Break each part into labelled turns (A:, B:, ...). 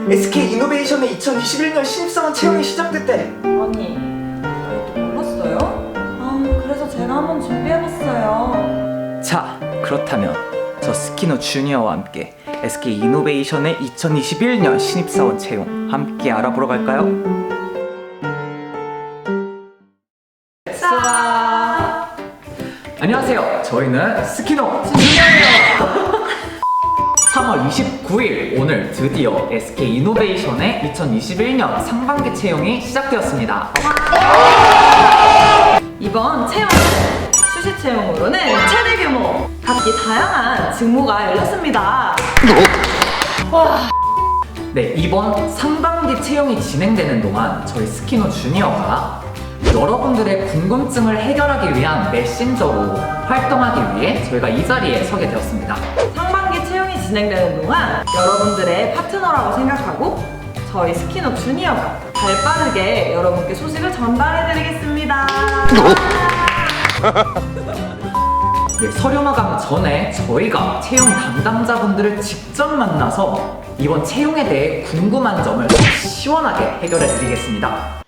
A: SK 이노베이션의 2021년 신입사원 채용이 시작됐대.
B: 아니, 그것도 몰랐어요? 그래서 제가 한번 준비해봤어요.
A: 자, 그렇다면 저 스키노 주니어와 함께 SK 이노베이션의 2021년 신입사원 채용 함께 알아보러 갈까요?
B: 자,
A: 안녕하세요. 저희는 스키노 주니어예요. 3월 29일 오늘 드디어 SK 이노베이션의 2021년 상반기 채용이 시작되었습니다.
B: 이번 채용은 수시 채용으로는 최대 규모, 각기 다양한 직무가 열렸습니다.
A: 네, 이번 상반기 채용이 진행되는 동안 저희 스키노 주니어가 여러분들의 궁금증을 해결하기 위한 메신저로 활동하기 위해 저희가 이 자리에 서게 되었습니다.
B: 상반기 채용이 진행되는 동안 여러분들의 파트너라고 생각하고 저희 스키노 주니어가 발빠르게 여러분께 소식을 전달해드리겠습니다.
A: 네, 서류 마감 전에 저희가 채용 담당자분들을 직접 만나서 이번 채용에 대해 궁금한 점을 시원하게 해결해 드리겠습니다.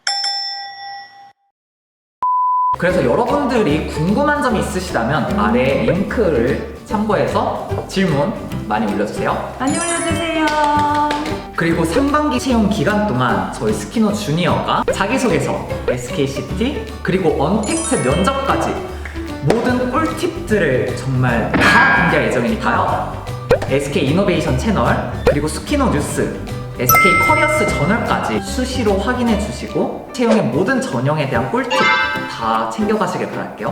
A: 그래서 여러분들이 궁금한 점이 있으시다면 아래 링크를 참고해서 질문 많이 올려주세요.
B: 많이 올려주세요.
A: 그리고 상반기 채용 기간 동안 저희 스키노 주니어가 자기소개서, SKCT, 그리고 언택트 면접까지 모든 꿀팁들을 정말 다 공개할 예정이니까요. SK 이노베이션 채널, 그리고 스키노 뉴스, SK 커리어스 저널까지 수시로 확인해 주시고 채용의 모든 전형에 대한 꿀팁 다 챙겨가시길 바랄게요.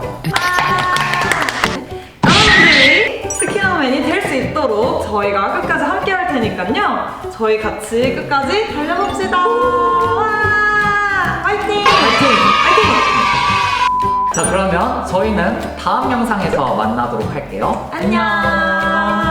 B: 여러분들이 스키노맨이 될 수 있도록 저희가 끝까지 함께 할 테니까요. 저희 같이 끝까지 달려봅시다. 와! 화이팅!
A: 화이팅! 자, 그러면 저희는 다음 영상에서 만나도록 할게요.
B: 안녕!